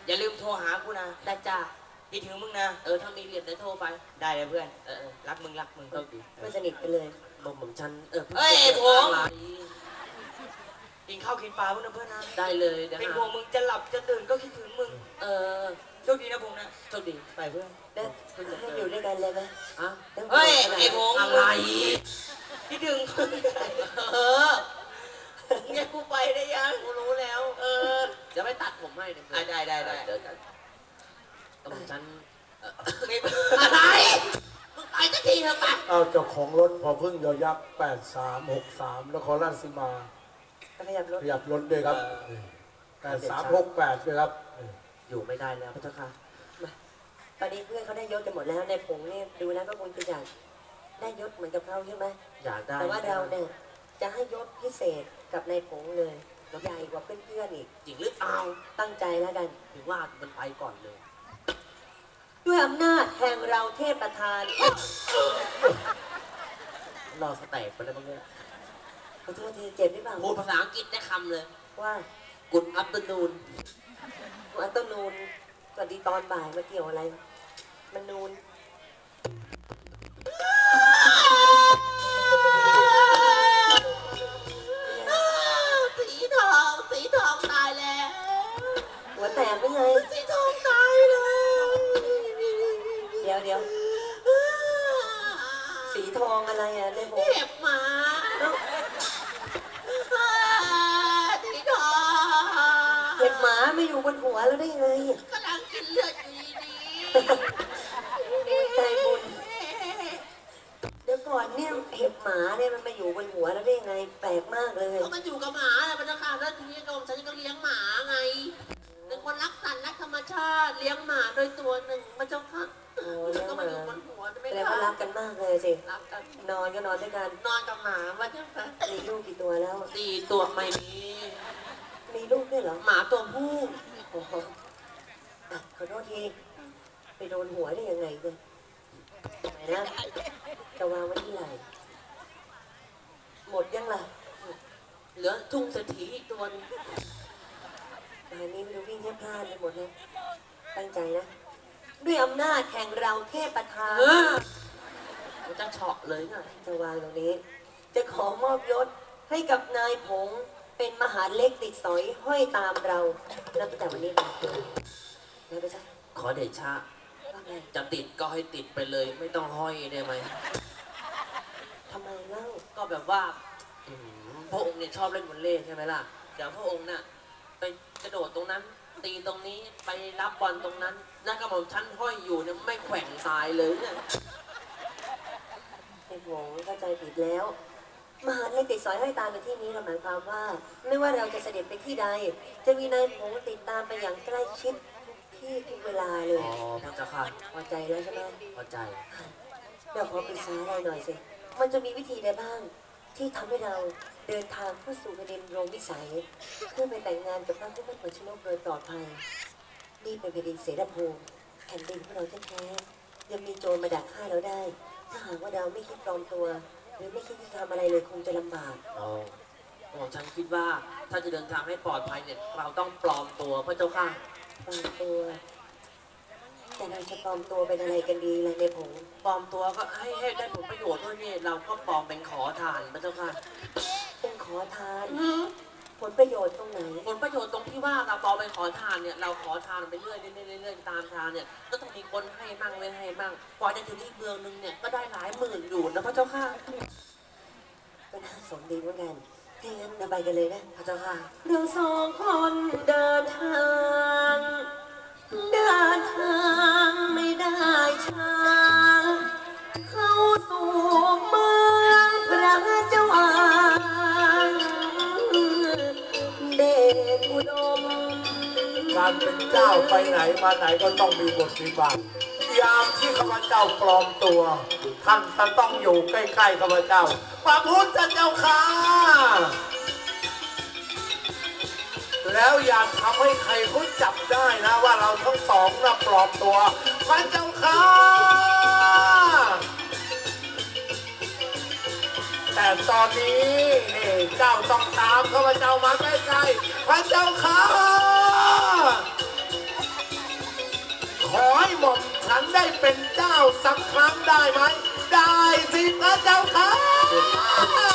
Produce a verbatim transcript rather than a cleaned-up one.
อย่าลืมโทรหากูนะได้จ้าคิดถึงมึงนะเออถ้ามีเหรียญเดี๋ยวโทรไปได้เลยเพื่อนเออเออรักมึงรักมึงโชคดีไม่สนิทกันเลยนมของฉันเออเอ้ยพิ่งผมอะไรกินข้าวกินปลาพวกนะเพื่อนนะได้เลยเดี๋ยวเป็นหาห่วงมึงจะหลับจะตื่นก็คิดถึงมึงเออโชคดีนะผมนะโชคดีไปเพื่อนแล้วให้อยู่ด้วยกันเลยไหมอ่ะเฮ้ยไอ้ผมอะไรคิดถึงมึงเออเนี่ยกูไปได้ยังกูรู้แล้วเออเดี๋ยวไปตัดผมให้เดี๋ยวอ่ะได้ได้ได้เดี๋ยวกันนมของฉันเอ่อไม่อะไรมึงไปสักทีเถอะปะเอาเจ้าของรถพอพึ่งยอยักษ์แปดสามหกสามนครราชสีมาขยับรถขยับรถด้วยครับแปดสามหกแปดด้วยครับอยู่ไม่ได้แล้วพระเจ้าค่ะตอนนี้เพื่อนเขาได้ยศกันหมดแล้วในผงนี่ดูแล้วก็คงจะอยากได้ยศเหมือนกับเขาใช่ไหมอยากได้แต่ว่าเราเนี่ยจะให้ยศพิเศษกับในผงเลยใหญ่กว่าเพื่อนๆอีกจริงหรือเปล่าตั้งใจแล้วกันถึงว่ามันไปก่อนเลยด้วยอำนาจแห่งเราเทพประธานรอสแต็กไปแล้วบ้างเนี่ยขอโทษทีเจ็บหรือเปล่าพูดภาษาอังกฤษได้คำเลยว่ากุดอัปเตอร์นูนอันต้นนูนสวัสดีตอนบ่ายมาเกี่ยวอะไร มันนูนสีทองสีทองตายแล้วหัวแตกไปเลยสีทองตายแล้วเดี๋ยวเดี๋ยวสีทองอะไรอ่ะในผงเห็บหมาเอ้าสีทองเห็บหมาไม่อยู่บนหัวแล้วได้ยังไงกำลังกินเลือดอยู่ดีใจบุญ เดี๋ยวก่อนเนี่ยเห็บหมาเนี่ยมันมาอยู่บนหัวแล้วได้ยังไงแปลกมากเลยก็มันอยู่กับหมาแหละพระเจ้าค่ะแล้วทีนี้กรมฉันก็เลี้ยงหมาไงเป็นคนรักสัตว์รักธรรมชาติเลี้ยงหมาโดยตัวหนึ่งพระเจ้าค่ะโอ้เลี้ยงหมาก็มาอยู่บนหัวไม่แสดงได้ว่ารักกันมากเลยสิรักกันนอนก็นอนด้วยกันนอนกับหมาพระเจ้าค่ะมีลูกกี่ตัวแล้วสี่ตัวไม่มีมีลูกด้วยเหรอหมาตัวผู้โอ้โหอ่ะขอโทษที ไปโดนหัวได้ยังไงเนี่ยไหนนะ จะวางไว้ที่ไหน หมดยังล่ะเหลือทุ่งเศรษฐีอีกตัวหนึงตอนนี้ไม่รู้วิ่งแทบพลาดไปหมดเลยตั้งใจนะ ด้วยอำนาจแห่งเราเทพประธานเออมันจะเฉาะเลยไงจะวางตรงนี้ จะขอมอบยศให้กับนายผง เป็นมหาเล็กติดสอยห้อยตามเรานับตั้งแต่วันนี้ไปแล้วไปซะขอเดชะว่าไงจะติดก็ให้ติดไปเลย ไม่ต้องห้อยได้ไหมทำไมเล่าก็แบบว่าอืมพระองค์เนี่ยชอบเล่นวอลเลย์ใช่ไหมล่ะเดี๋ยวพระองค์น่ะไปกระโดดตรงนั้น ตีตรงนี้ไปรับบอลตรงนั้นแล้วก็หม่อมชั้นห้อยอยู่เนี่ยไม่แขว่งตายเลยเนี่ยไอ้ผงเข้าใจผิดแล้ว มหาเล็กติดสอยห้อยตามในที่นี้เราหมายความว่า ไม่ว่าเราจะเสด็จไปที่ใด จะมีนายผงติดตามไปอย่างใกล้ชิดทุกที่ทุกเวลาเลยอ๋อพระเจ้าค่ะพอใจแล้วใช่ไหมพอใจเดี๋ยวขอปรึกษาอะไรหน่อยสิ มันจะมีวิธีใดบ้าง ที่ทำให้เราเดินทางเข้าสู่แผ่นดินโรมวิสัย เพื่อไปแต่งงานกับพระผู้เป็นหัวชนกโดยปลอดภัย นี่เป็นแผ่นดินเสรภูมิแผ่นดินของเราแท้ๆยังมีโจรมาดักฆ่าเราได้ ถ้าหากว่าเราไม่คิดปลอมตัว หรือไม่คิดที่จะทำอะไรเลยคงจะลำบากอ๋อหม่อมฉันคิดว่าถ้าจะเดินทางให้ปลอดภัยเนี่ยเราต้องปลอมตัวพระเจ้าค่ะปลอมตัว แต่เราจะปลอมตัวเป็นอะไรกันดีล่ะในผงปลอมตัวก็ให้ให้ได้ผลประโยชน์ด้วยนี่เราก็ปลอมเป็นขอทานพระเจ้าค่ะเป็นขอทาน ผลประโยชน์ตรงไหนผลประโยชน์ตรงที่ว่าเราปลอมเป็นขอทานเนี่ยเราขอทานไปเรื่อยเรื่อยเรื่อยๆตามทางเนี่ยก็ต้องมีคนให้มั่งไม่ให้มั่งกว่าจะถึงอีกเมืองนึงเนี่ยก็ได้หลายหมื่นอยู่นะพระเจ้าค่ะก็น่าสนดีเหมือนกันถ้างั้นเราไปกันเลยนะพระเจ้าค่ะเราสองคนเดินทาง เดินทางไม่ได้ช้าเข้าสู่เมืองพระเจ้าอางเดชอุดมการเป็นเจ้าไปไหนมาไหนก็ต้องมีบทวิบัติยามที่ข้าพเจ้าปลอมตัว ท่านจะต้องอยู่ใกล้ๆข้าพเจ้าพระพุทธเจ้าค่ะแล้วอย่าทำให้ใครเขาจับได้นะว่าเราทั้งสองน่ะปลอมตัวพระเจ้าค่ะแต่ตอนนี้นี่เจ้าต้องตามข้าพเจ้ามาใกล้ๆพระเจ้าค่ะได้เป็นเจ้าสักครั้งได้ไหม ได้สิพระเจ้าค่ะ